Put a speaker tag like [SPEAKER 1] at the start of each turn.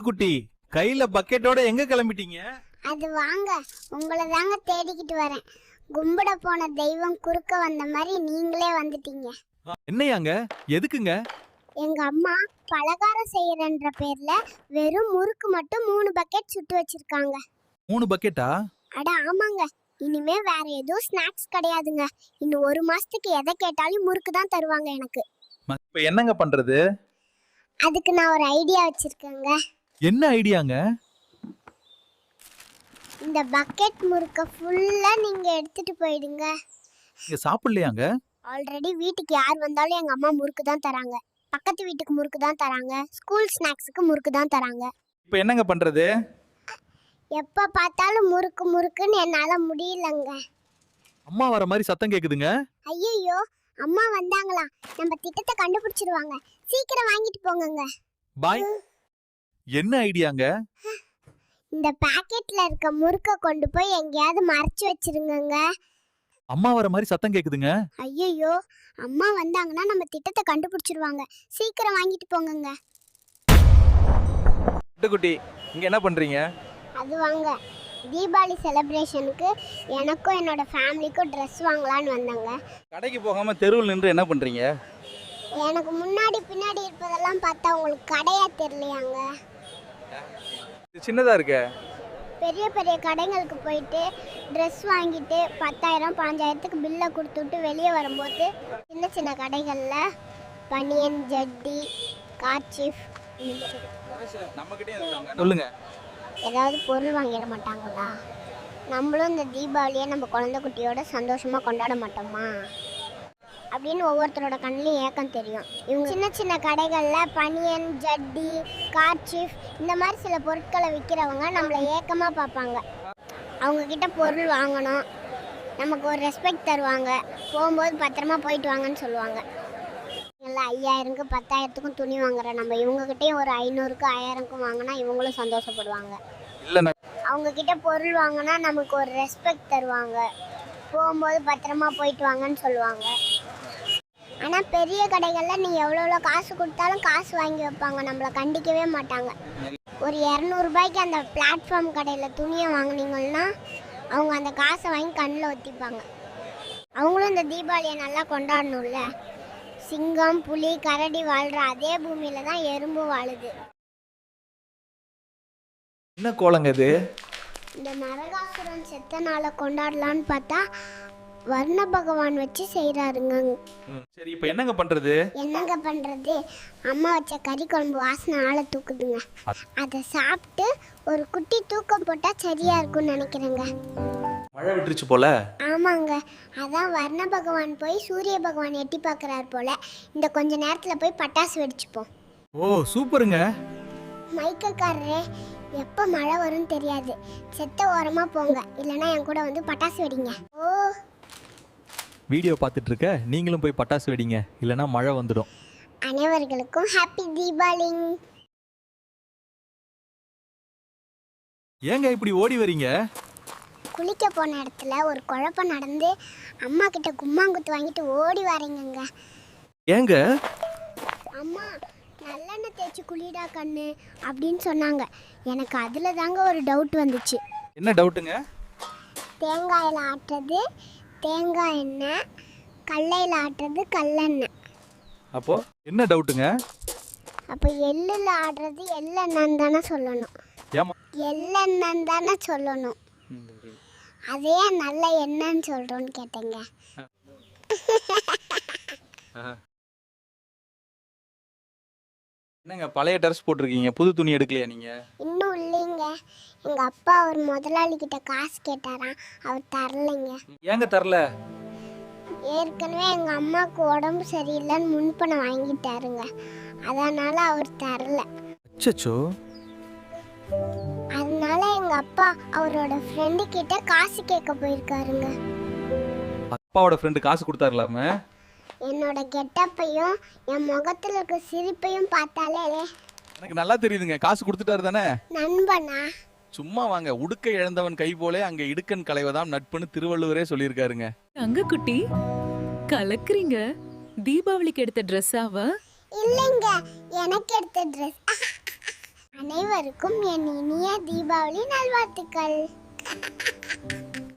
[SPEAKER 1] குட்டி, கையில பக்கெட்டோட எங்க கிளம்பிட்டீங்க?
[SPEAKER 2] அது வாங்க, உங்களை தாங்க தேடிக்கிட்டு வரேன். கும்பிட போன தெய்வம் குறுக்க வந்த மாதிரி நீங்களே வந்துட்டீங்க.
[SPEAKER 1] என்னையாங்க? எதுக்குங்க?
[SPEAKER 2] எங்க அம்மா பலகாரம் செய்யறன்ற பேர்ல வெறும் முறுக்கு மட்டும் 3 பக்கெட் சுட்டு வச்சிருக்காங்க.
[SPEAKER 1] 3 பக்கெட்டா?
[SPEAKER 2] அட ஆமாங்க, இனிமே வேற எதுவும் ஸ்நாக்ஸ் கிடையாதுங்க. இன்னும் 1 மாசத்துக்கு எதை கேட்டாலும் முறுக்கு தான் தருவாங்க எனக்கு.
[SPEAKER 1] இப்ப என்னங்க பண்றது?
[SPEAKER 2] அதுக்கு நான் ஒரு ஐடியா வச்சிருக்கேங்க.
[SPEAKER 1] என்ன ஐடியாங்க?
[SPEAKER 2] இந்த பக்கெட் முறுக்க ஃபுல்லா நீங்க எடுத்துட்டு போயிடுங்க.
[SPEAKER 1] நீங்க சாப்பிடலையாங்க?
[SPEAKER 2] ஆல்ரெடி வீட்டுக்கு யார் வந்தாலும் எங்க அம்மா முறுக்கு தான் தராங்க. பக்கத்து வீட்டுக்கு முறுக்கு தான் தராங்க. ஸ்கூல் ஸ்நாக்ஸுக்கு முறுக்கு தான் தராங்க.
[SPEAKER 1] இப்ப என்னங்க பண்றது?
[SPEAKER 2] எப்ப பார்த்தாலும் முறுக்கு முறுக்குன்னு என்னால முடியலங்க.
[SPEAKER 1] அம்மா வர மாதிரி சத்தம் கேக்குதுங்க.
[SPEAKER 2] ஐயோ, அம்மா வந்தாங்களா? நம்ம திட்டத்தை கண்டுபிடிச்சிருவாங்க. சீக்கிரம் வாங்கிட்டு போங்கங்க.
[SPEAKER 1] பாய். என்ன ஐடியாங்க?
[SPEAKER 2] இந்த பாக்கெட்ல இருக்க முறுக்க கொண்டு போய் எங்கேயாவது மறைச்சு வச்சிருங்கங்க.
[SPEAKER 1] அம்மா வர மாதிரி சத்தம் கேக்குதுங்க.
[SPEAKER 2] ஐயோ, அம்மா வந்தாங்கன்னா நம்ம திட்டத்தை கண்டுபிடிச்சிருவாங்க. சீக்கிரம் வாங்கிட்டு போங்கங்க.
[SPEAKER 1] குட்டி, இங்க என்ன பண்றீங்க?
[SPEAKER 2] அது வாங்க, தீபாவளி செலிப்ரேஷனுக்கு எனக்கும் என்னோட ஃபேமிலிக்கும் ட்ரெஸ் வாங்கலான்னு வந்தாங்க.
[SPEAKER 1] கடைக்கு போகாம தெருவில் நின்று என்ன பண்றீங்க?
[SPEAKER 2] எனக்கு முன்னாடி பின்னாடி இருப்பதெல்லாம் பார்த்தா உங்களுக்கு கடையா தெரியலையாங்க?
[SPEAKER 1] இது சின்னதா இருக்க.
[SPEAKER 2] பெரிய பெரிய கடைங்களுக்கு போயிட்டு ட்ரெஸ் வாங்கிட்டு 10,000 15,000க்கு பில்லை கொடுத்துட்டு வெளியே வரும்போது சின்ன சின்ன கடைகளில் பனியன், ஜட்டி, கார்ச்சீஃப்
[SPEAKER 1] சொல்லுங்க.
[SPEAKER 2] ஏதாவது பொருள் வாங்கிட மாட்டாங்களா? நம்மளும் இந்த தீபாவளியை நம்ம குழந்தை குட்டியோட சந்தோஷமாக கொண்டாட மாட்டோமா அப்படின்னு ஒவ்வொருத்தரோட கண்ணிலையும் ஏக்கம் தெரியும். இவங்க சின்ன சின்ன கடைகளில் பனியன், ஜட்டி, கார்ச்சீஃப் இந்த மாதிரி சில பொருட்களை விற்கிறவங்க நம்மளை ஏக்கமாக பார்ப்பாங்க. அவங்கக்கிட்ட பொருள் வாங்கணும், நமக்கு ஒரு ரெஸ்பெக்ட் தருவாங்க, போகும்போது பத்திரமா போயிட்டு வாங்கன்னு சொல்லுவாங்க. இல்லை 5,000க்கு 10,000த்துக்கும் துணி வாங்குற நம்ம இவங்ககிட்டயும் ஒரு 500க்கு 1000க்கும் வாங்கினா இவங்களும் சந்தோஷப்படுவாங்க.
[SPEAKER 1] இல்ல,
[SPEAKER 2] அவங்கக்கிட்ட பொருள் வாங்கினா நமக்கு ஒரு ரெஸ்பெக்ட் தருவாங்க, போகும்போது பத்திரமா போயிட்டு வாங்கன்னு சொல்லுவாங்க. ஆனால் பெரிய கடைகளில் நீ எவ்வளோ காசு கொடுத்தாலும் காசு வாங்கி வைப்பாங்க, நம்மளை கண்டிக்கவே மாட்டாங்க. ஒரு 200 ரூபாய்க்கு அந்த பிளாட்ஃபார்ம் கடையில் துணியை வாங்கினீங்கன்னா அவங்க அந்த காசை வாங்கி கண்ணில் ஒத்திப்பாங்க. அவங்களும் இந்த தீபாவளியை நல்லா கொண்டாடணும்ல. சிங்கம், புலி, கரடி வாழ்கிற அதே பூமியில் தான் எறும்பு வாழுது.
[SPEAKER 1] என்ன கோலங்க இது?
[SPEAKER 2] இந்த நரகாசுரன் செத்த நாளை கொண்டாடலான்னு பார்த்தா வர்ண பகவான் வச்சு செய்கிறாருங்க.
[SPEAKER 1] சரி, இப்போ என்னங்க பண்றது?
[SPEAKER 2] என்னங்க பண்றது? அம்மா வச்ச கறி குழம்பு வாசனை ஆளை தூக்குதுங்க. அதை சாப்பிட்டு ஒரு குட்டி தூக்கம் போட்டால் சரியா இருக்கும்னு நினைக்கிறேங்க.
[SPEAKER 1] மழை விட்டுருச்சு போல.
[SPEAKER 2] ஆமாங்க, அதான் வர்ண பகவான் போய் சூரிய பகவான் எட்டி பார்க்குறாரு போல. இந்த கொஞ்ச நேரத்தில் போய் பட்டாசு வெடிச்சுப்போம்.
[SPEAKER 1] ஓ சூப்பருங்க.
[SPEAKER 2] மைக்கக்காரரே, எப்போ மழை வரும்னு தெரியாது, செத்த ஓரமாக போங்க, இல்லைன்னா என் கூட வந்து பட்டாசு வெடிங்க. ஓ,
[SPEAKER 1] வீடியோ பார்த்துட்டு இருக்க நீங்களும் போய் பட்டாசு வெடிங்க, இல்லைன்னா மழை வந்துடும்.
[SPEAKER 2] அனைவர்களுக்கும் ஹாப்பி தீபாவளி.
[SPEAKER 1] ஏங்க இப்படி ஓடி வரீங்க?
[SPEAKER 2] குளிக்க போன இடத்துல ஒரு குழப்பம் நடந்து அம்மா கிட்ட கும்மாங்குத்து வாங்கிட்டு ஓடி வரீங்க.
[SPEAKER 1] ஏங்க?
[SPEAKER 2] அம்மா நல்லெண்ணெய் தேய்ச்சி குளிடா கண்ணு அப்படின்னு சொன்னாங்க. எனக்கு அதில் தாங்க ஒரு டவுட் வந்துச்சு.
[SPEAKER 1] என்ன டவுட்டுங்க?
[SPEAKER 2] தேங்காயில் ஆட்டுறது தேங்காய் எண்ணெய், கடலையில் ஆட்டுறது கல்லெண்ணெய்.
[SPEAKER 1] அப்போ என்ன டவுட்டுங்க?
[SPEAKER 2] அப்போ எள்ளில் ஆடுறது எள்ளெண்ணென்னு தானே சொல்லணும்.
[SPEAKER 1] ஏமா
[SPEAKER 2] எள்ளெண்ணென்னு தானே சொல்லணும். அதே நல்ல எண்ணெய்ன்னு சொல்கிறோன்னு கேட்டேங்க.
[SPEAKER 1] என்னங்க பழைய ட்ரெஸ் போட்டிருக்கீங்க, புது துணி எடுக்கலையா நீங்க?
[SPEAKER 2] இன்னும் இல்லைங்க, எங்கள் அப்பா ஒரு முதலாளி கிட்ட காசு கேட்டாராம், அவர் தரலைங்க.
[SPEAKER 1] ஏங்க தரல?
[SPEAKER 2] ஏற்கனவே எங்கள் அம்மாவுக்கு உடம்பு சரியில்லைன்னு முன்பணம் வாங்கிட்டாருங்க, அதனால அவர் தரல.
[SPEAKER 1] அச்சச்சோ.
[SPEAKER 2] அதனால எங்கள் அப்பா அவரோட ஃப்ரெண்டு கிட்ட காசு கேட்க போயிருக்காருங்க.
[SPEAKER 1] அப்பாவோட ஃப்ரெண்டு காசு கொடுத்தாருலாம?
[SPEAKER 2] என்னோட கெட்டப்பையும் என் முகத்தில் இருக்க சிரிப்பையும் பார்த்தாலே
[SPEAKER 1] எனக்கு நல்லா தெரியுதுங்க, காசு கொடுத்துட்டாரு தானே?
[SPEAKER 2] நண்பனா?
[SPEAKER 1] சும்மா வாங்க, உடுக்க இழந்தவன் கை போலே அங்க இடுக்கன் களைவதாம் நட்புன்னு திருவள்ளுவரே சொல்லியிருக்காருங்க.
[SPEAKER 3] அங்க குட்டி கலக்குறீங்க. தீபாவளிக்கு எடுத்த ட்ரெஸ்ஸாவ?
[SPEAKER 2] இல்லைங்க, எனக்கு எடுத்த ட்ரெஸ். அனைவருக்கும் என் இனிய தீபாவளி நல்வாழ்த்துக்கள்.